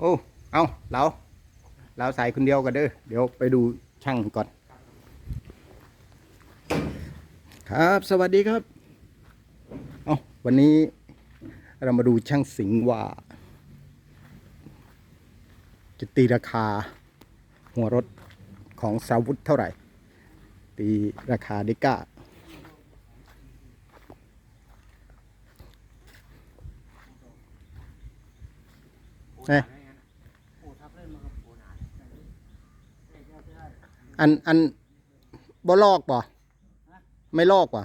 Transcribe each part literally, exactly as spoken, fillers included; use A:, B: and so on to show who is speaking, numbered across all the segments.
A: โอ้เอาเราเราใส่คนเดียวกันเด้อเดี๋ยวไปดูช่างก่อนครับสวัสดีครับเอาวันนี้เรามาดูช่างสิงห์ว่าจะตีราคาหัวรถของสาวุธเท่าไหร่ตีราคาดิก้าเอ๊ะอันอันบ่ลอกป่ะไม่ลอกป่ะ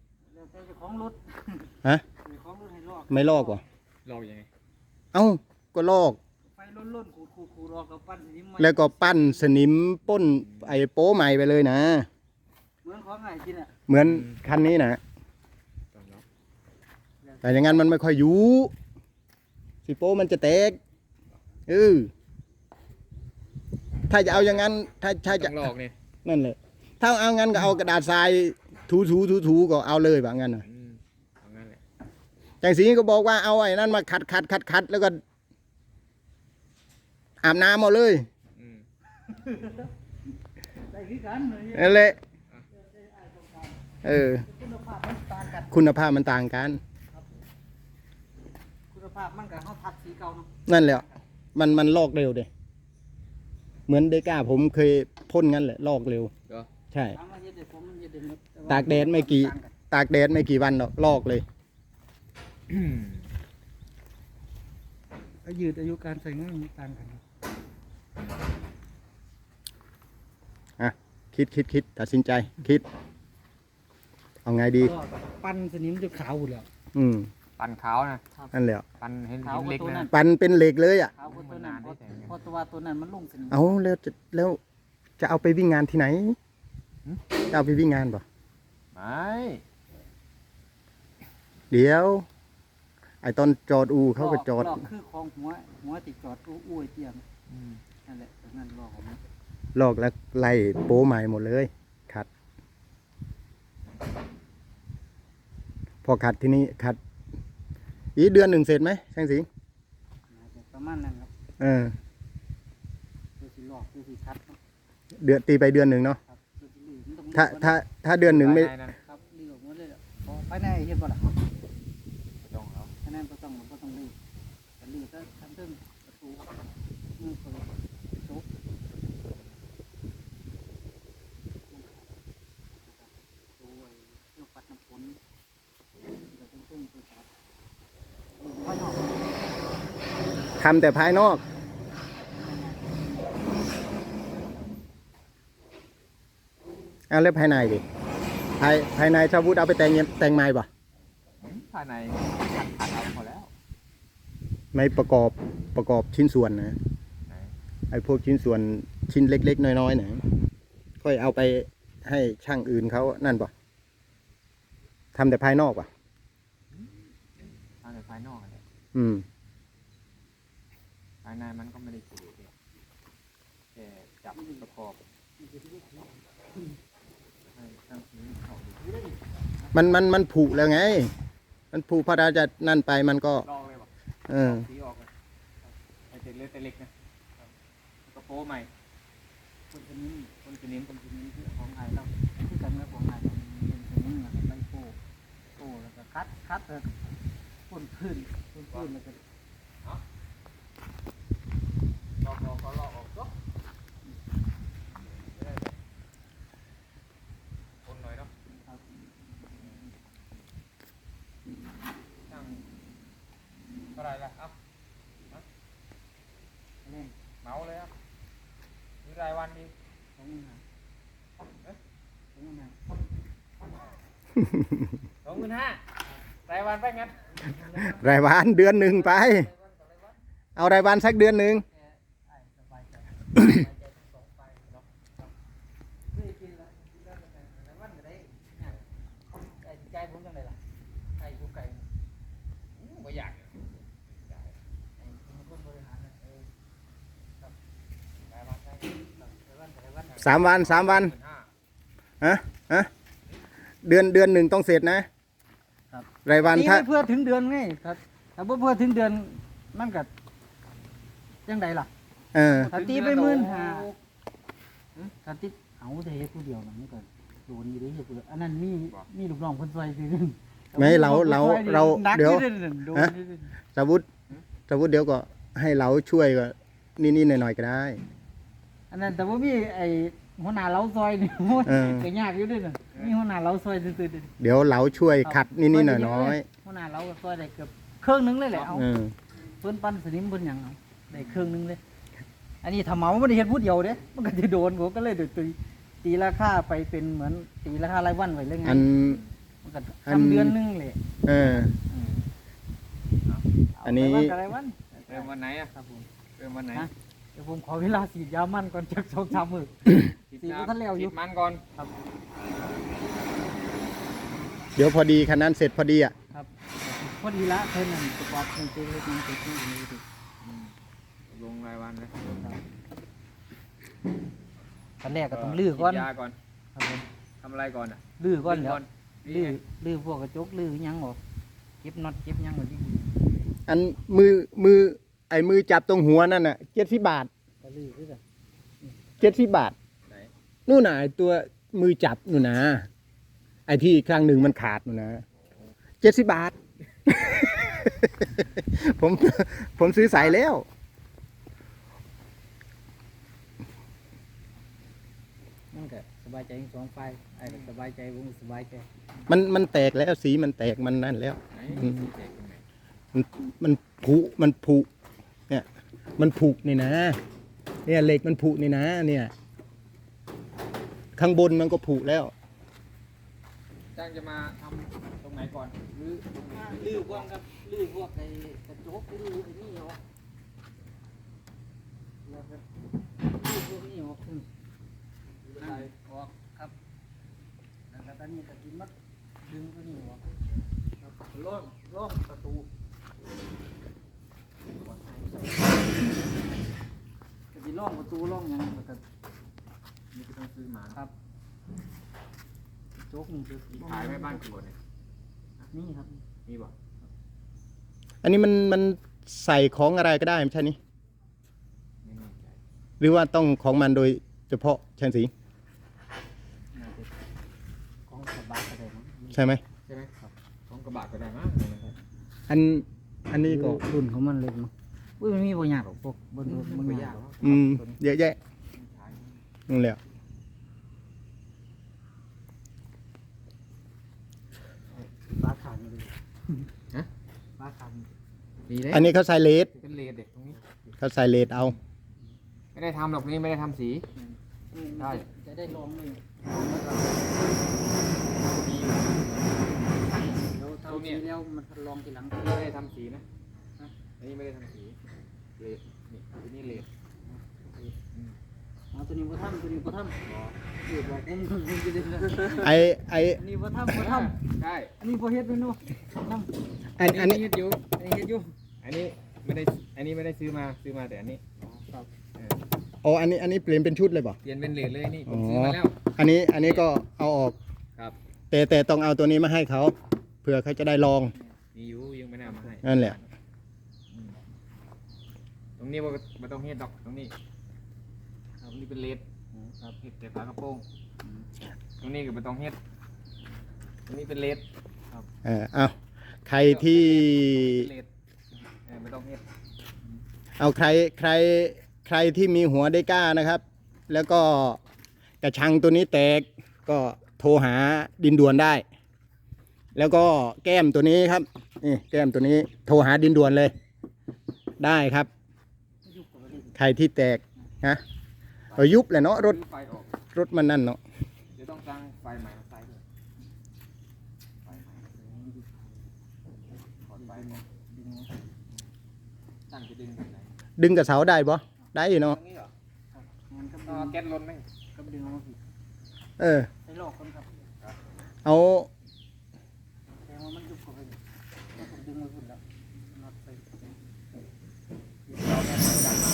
A: ฮะไม่ลอกป่ะ
B: ลอกยังไง
A: เอ้าก็ลอก
C: ไฟล้นๆขูดๆๆรอกับปั้นสนิมใหม่
A: แล้วก็ปั้นสนิมป้นไอ้โป้ใหม่ไปเลยนะ
C: เหมือนของไอ้ที่น่ะ
A: เหมือนคันนี้นะแต่อย่างนั้นมันไม่ค่อยอยู่สิโป้มันจะแตกเออถ้าจะเอาอย่างนั้นถ้าถ้าจะ
B: ลอกนี่
A: นั่นแหละถ้าเอางั้นก็เอากระดาษทรายถูถูถูถูก็เอาเลยแบบนั้นนะจังสีก็บอกว่าเอาไอ้นั่นมาขัดขัดขัดขัดแล้วก็อาบน้ำเอาเลยนั่นแหละเออคุณภาพมันต่างกัน
C: คุณภาพมันกับเขาทัดสีเก่าเนาะ
A: นั่นแหละมันมันลอกเร็วเด้เหมือนเดก้าผมเคยพ่นงั้นแหละลอกเร็วใช่ตากแดดไม่กี่ตากแดดไม่กี่วันหรอกลอกเลย
C: ยืดอายุการใช้งานต่างกัน
A: อ่ะคิดคิดคิดตัดสินใจคิดเอาไงดี
C: ปั้นสนิมจะขาวหมดแล้ว
A: อืม
B: ปั่นขาวนะ
A: นั่นแหละ
B: ปั่นเห็นเล็กนะ
A: ปั่นเป็นเหล็กเลยอ่ะ
C: ขาวตัวนั้นพอตัวตัวนั้นมันลุ่งสนิม
A: เอาแล้วจะแล้วจะเอาไปวิ่งงานที่ไหนจะเอาไปวิ่งงานป่ะ
B: ไม่
A: เดี๋ยวไอ้ตอนจอดอูเขาก็จอด
C: ลอกคือของหัวหัวติดจอดอู้อู้ไอเตียงนั่นแหละนั่นลอกของมัน
A: ลอกแล้วไล่โป้ใหม่หมดเลยขัดพอขัดที่นี่ขัดอีเดือนหนึ่งเสร็จไหมช่างสิง
C: ประมาณนั้นครับ
A: เออ
C: คือสีลอกคือสีคัด
A: เดือนตีไปเดือนหนึ่งเนาะถ้าถ้าถ้าเดือนหนึ่งไม่
C: ครับรีบหมดเลยพอไปไหนเห็นบ่ล่ะ
B: ต้องแล้ว
C: แค่นั้นก็ต้องก็ต้องรีบแต่รีบก็ทำเรื่องประตูมือเปิดจุกตัวเรื่องปัดน้ำฝนเดี๋ยวต้องต้องไปจับภายนอก
A: ทำแต่ภายนอกเอาแล้วภายในดิภายภายในชาวพุทธเอาไปแต่งแต่งไม้ป่ะ
B: ภายในขัดขัดเอาพอแล้ว
A: ไม่ประกอบประกอบชิ้นส่วนนะไอ้พวกชิ้นส่วนชิ้นเล็กๆน้อยๆนะค่อยเอาไปให้ช่างอื่นเขานั่นป่ะทำแต่ภายนอกป่ะ
B: ทำแต่ภายนอกอะไร
A: อืม
B: ภายในมันก็ไม่ได้สวยแค่จับประกอบ
A: มันมันมันผุแล้วไงมันผุพอเราจะนั่นไปมันก็
B: ลอกเลยป่ะ
A: เออ
B: สีออกเลยไอเจ็ดเล็กเล็กนะกระโปรงใหม่
C: คนชนิด
B: คนชนิด
C: คนชนิดที่ของไทยเราที่กันกับของไทยเราเป็นชนิดอะไรใบโป้โป้แล้วก็คัดคัดเลยพ่นพื้นพ่นพื้นแล้วก็
B: ลอกลอกก็ลอกออกก็คนหน่อยเนาะนั่งเท่าไรล่ะเอ้าเมาเลยอ่ะมีรายวันดี
C: สองหมื่นห้าเอ๊ะสองหมื่นห้า
B: สองหมื่นห้ารายวันไปงั้น
A: รายวันเดือนหนึ่งไปเอารายวันสักเดือนหนึ่งสามวันสามวันฮะฮะเดือนเดือนหนึ่งต้องเสร็จนะรายวันถ้า
C: เพื่อถึงเดือนไงครับถ้าเพื่อถึงเดือนมันก็จจังใดล่ะ
A: เออ
C: ถ้าตีไปหมื่นห้าถ้าตีเอาแต่เฮ็ดผู้เดียวน่ะมันก็โดนอยู่เด้เฮ็ดผู้เดียวอันนั้นมีมีลูกน้องเพิ่นซอยซื้อ
A: ไม่เราเราเรา
C: นัก
A: เดี๋ยว
C: อนั่นโดน
A: ฮะ
C: อยู่เด้
A: สมมุติสมมุติเดี๋ยวก็ให้เราช่วยก็นิดๆหน่อยๆก็ได้
C: อันนั้นแต่ว่ามีไอ้หัวหน้าเราซอยนี่ โอ้ย
A: เออ
C: ก็ยากอยู่เด้วยน่ะมีหัวหน้าเราซอยซื่อๆเด้
A: เดี๋ยวเราช่วยขัดนิดๆหน่อย
C: หัวหน้าเราก็ซอยได้เกือบครึ่งหนึงเลยแหละเอา
A: ๆเออ
C: เพิ่นปั้นสนิมเพิ่นหยังเอาได้ครึ่งหนึงเลย อันนี้ถ้าเหมาบ่ได้เฮ็ดผู้เดียวเด้มันก็สิโดนผมก็เลยตีตีราคาไปเป็นเหมือนตีราคารายวันไว้เลยไง
A: อัน
C: มันก็
A: อัน
C: ทำเดือนหนึงเลย
A: เออ
C: เา
A: อันนี้
C: ไปวักับรายวัน
B: เริ่มวันไหนอ่ะ
C: ครับผม
B: เริ่มวันไหน
C: ฮะ เดี๋ยวผมขอเวลาฉีดยามันก่อนจักสองสามมื้อ
B: ฉีด
C: ฉีด
B: ยา
C: บ่ทันแล้วอยู่
B: ฉีดมันก่อน
C: ครับ
A: เดี๋ยวพอดีคันนั้นเสร็จพอดีอ่ะ
C: ครับพอดีละเพิ่นนั่นประกอบเป็นเจเล็กน้อยติดที่นี่ดิ
B: อืมลงรายวันเลย
C: ตอนแรกก็ต้องลื้อก่อน
B: ฉีดยาก่อน
C: ครับผม
B: ทำอะไรก่อนอ่ะ
C: ลื้อก่อนแล้ว
B: ลื้
C: ลื้
B: อ
C: อลื้อพวกกระจกลื้อหยังออกเก็บน็อตเก็บหยังไว้ดี
A: อันมือมือไอ้มือจับตรงหัวนั่นน่ะเจ็ดสิบบาท
C: ๆก็ลื้อคือกัน
A: เจ็ดสิบบาท
B: ไหน
A: นู่นน่ะไอ้ตัวมือจับนู่นนะไอ้ที่ครั้งหนึ่งมันขาดนู่นนะเจ็ดสิบบาท ผมผมซื้อใส่แล้ว
C: มันก็สบายใจทั้งสองฝ่ายไอ้ก็สบายใจผมก็สบายใจ
A: มันมันแตกแล้วสีมันแตกมันนั่นแล้ว
B: ไหน
A: อืม
B: แตกตรงไหน
A: มันมันผุมันผุเนี่ย มันผุนี่นะ เนี่ยเหล็กมันผุนี่นะ เนี่ย ข้างบนมันก็ผุแล้ว
B: จ้างจะมาทำตรงไหนก่อนหรือตรงไหน
C: ลื้อพวกกับลื้อพวกไอ้กระจกลื้อไอ้นี่ออกแล้วก็ลื้อพวกนี้ออกอืม
B: ไม่เป็นไร
C: ออกครับแล้วก็ตอนนี้ก็กินมัดดึงตัวนี้ออกครับล่องล่องประตูก็สิล่องประตูล่องหยังแล้วก็
B: นี่ก็ต้องซื้อมา
C: ครับโจ๊กนี่คือ
B: มีขายไหมบ้านกรวดเนี่ย
C: นี่ครับ
B: มีบ่
A: อันนี้มันมันใส่ของอะไรก็ได้ไม่ใช่นี่
B: ไม่แน่ใจ
A: หรือว่าต้องของมันโดยเฉพาะช่างสี
C: น่าจะของสบายก็ได้มั้ง
A: ใช่ไหม
B: ใช่ไหมครับของกระบะก็ได้มั้ง
A: อันอันนี้ก็
C: รุ่นของมันเลยมั้งอุ้ยมันมีบางอย่างหรอกพวกบนรถบาง
B: ไม่
C: อย
B: า
C: ย่าก ง
B: หรอก
A: อืมเยอะแยะ
B: ใช้
A: นั่นแหละ
C: ฟ้าขาดเลย
B: ฮะ
C: ฟ้าขาด
B: ดีเลย
A: อันนี้เขาใส่เลส
B: เป็นเลดเด็กตรงนี้
A: เขาใส่เลสเอา
B: ไม่ได้ทำหรอกนี่ไม่ได้ทำสี ได้
C: จะได้ลองเลย
B: มี
C: เดี๋ยวทำทีแล้วมันลองทีหลัง
B: ไม่ได้ทำสีนะอันนี้ไม่ได้ทำสีเลดนี่อันนี้เลด
C: เอาตัวนี้บ่ทำตัวนี้บ่ทำเดี๋ยวบอกผมผมจะได้
A: ไอไอ
C: อันนี้บ่ทำบ่ท
B: ใช่
C: ำอันนี้บ่เฮ็ดเมนูทำ
A: อันอันนี้
B: เฮ็ดอยู่อันนี้เฮ็ดอยู่อันนี้ไม่ได้อันนี้ไม่ได้ซื้อมาซื้อมาแต่อันนี้
C: ครับ
B: เออ
A: อ๋ออันนี้อันนี้เปลี่ยนเป็นชุดเลยป่ะ
B: เปลี่ยนเป็นเลดเลยนี่ผ
A: อ๋อ
B: มซื้อมาแล้ว
A: อันนี้อันนี้ก็เอาออก
B: ครับ
A: แต่แต่ต้องเอาตัวนี้มาให้เขาเผื่อเขาจะได้ลอง
B: มีอยู่ยังไม่ได้เอามาให้
A: นั่นแหละ
B: อืมตรงนี้ว่าไม่ต้องเฮ็ดดอกตรงนี้ครับนี่เป็นเลดครับเฮ็ดแต่ฝากระโปรงตรงนี้ก็ไม่ต้องเฮ็ดตรงนี้เป็นเลด
A: เออเอาใครที่
B: เลดเออไม่ต้องเฮ็ด
A: เอาใครใครใครที่มีหัวได้กล้านะครับ แล้วก็กระชังตัวนี้แตกก็โทรหาดินด่วนได้ แล้วก็แก้มตัวนี้ครับนี่แก้มตัวนี้โทรหาดินด่วนเลย ได้ครับ
C: ยุบกับมัน
A: ใครที่แตกนะเอายุบเลยเนาะรถ
B: ซื้อไฟออก
A: รถมันนั่นเนาะ
B: เดี๋ยวต้องตั้งไฟใหม่มาใส่ด้วยไฟใหม่ถอดไฟมาดึงตั้งจะดึงแบบไหน
A: ดึงกับเสาได้ปะได้อยู่
B: ตร
A: เนาะ
B: งนี้เหรอ
C: มันก็
B: เอาแก๊สล้นไหม
C: ก็ดึงเอาผิด
A: เออ
C: ใช้ลอกคนครับ
A: เอา
C: แต่ว่ามันยุบกับมันก็ต้องดึงมาพุ่นแล้วน็อตใส่เราแค่ดันมา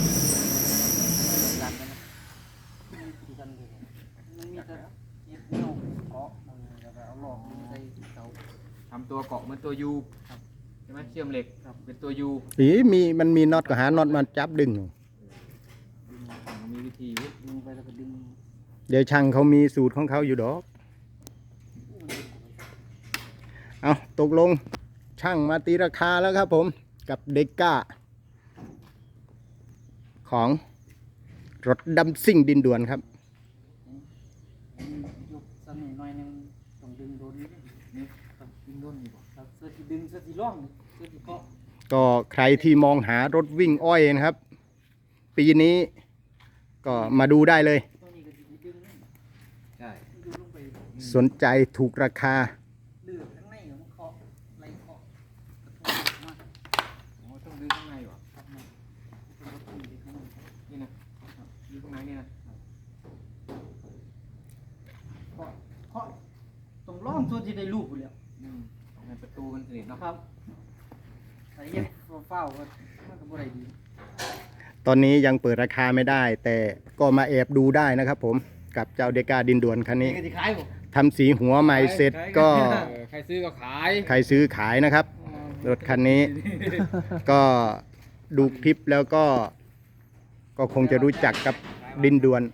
C: ดันกันนะตีกันเลยมันมีแต่เย็บเนาเกาะมันแล้วก็เอาหลอกใส่เสา
B: ทำตัวเกาะเหมือนตัวยูใช่ไหมเชื่อมเหล็กเป็นตัวยู
A: อีมีมันมีน็อตก็หาน็อตมาจับดึงอยู่
B: มันมีวิธีอยู่
C: ดึงไปแล้วก็ดึง
A: เดี๋ยวช่างเขามีสูตรของเขาอยู่ดอก เอาตกลงช่างมาตีราคาแล้วครับผมกับเด็กก้า ของรถดำซิ่งดินด่วนครับ
C: ยกสนิทหน่อยหนึงต้องดึงโดนนิดนึง
B: นี่ต้องดึงด้นดีกว่า
C: ครับเสื้อที่ดึงเสื้อที่ร่องเสื้อที่เกาะ
A: ก็ใครที่มองหารถวิ่งอ้อยนะครับ ปีนี้ก็มาดูได้เลย
C: ตัวนี้ก็สิดึงนี่
B: ใช่
C: ดึงลงไป
A: สนใจถูกราคา
C: เลือกข้างในมันเกาะไหลเกาะกระทุ้งมาก
B: โอ้ต้องดึงข้างในวะ
C: ครับมันเป็นรถที่ดึงข้างใน
B: นี่นะดึงข้างในนี่นะ
C: เกาะเกาะตรงร่องส่วนที่ได้ลูกอยู่แล้ว
B: อืมในประตูมันสนิทเนาะ
C: ครับแต่เฮ็ดเฝ้าๆก็มันก็บ่ได้ดี
A: ตอนนี้ยังเปิดราคาไม่ได้ แต่ก็มาแอบดูได้นะครับผมกับเจ้าเดก้าดินด่วนคันนี้
C: นี่ก็สิขายบ่
A: ทำสีหัวใหม่เสร็จก็
B: เออใครซื้อก็ขาย
A: ใครซื้อขายนะครับ รถคันนี้ ก็ดูคลิปแล้วก็ ก็คงจะรู้จักกับดินด่วน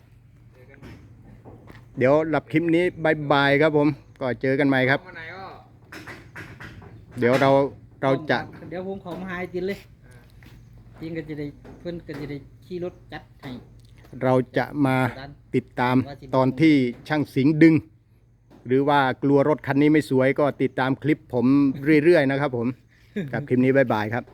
A: เดี๋ยวหลับคลิปนี้บายบายครับผม ก็เจอกันใหม่ครับ
B: วันไหนก็
A: เดี๋ยวเราเราจะ
C: เดี๋ยวผมขอมาหาไอ้ตินเลยตินก็จะได้เพิ่นก็จะได้ขี่รถจัดให้
A: เราจะมาติดตามตอนที่ช่างสิงห์ดึง หรือว่ากลัวรถคันนี้ไม่สวยก็ติดตามคลิปผมเรื่อยๆนะครับผม กับคลิปนี้บายบายครับ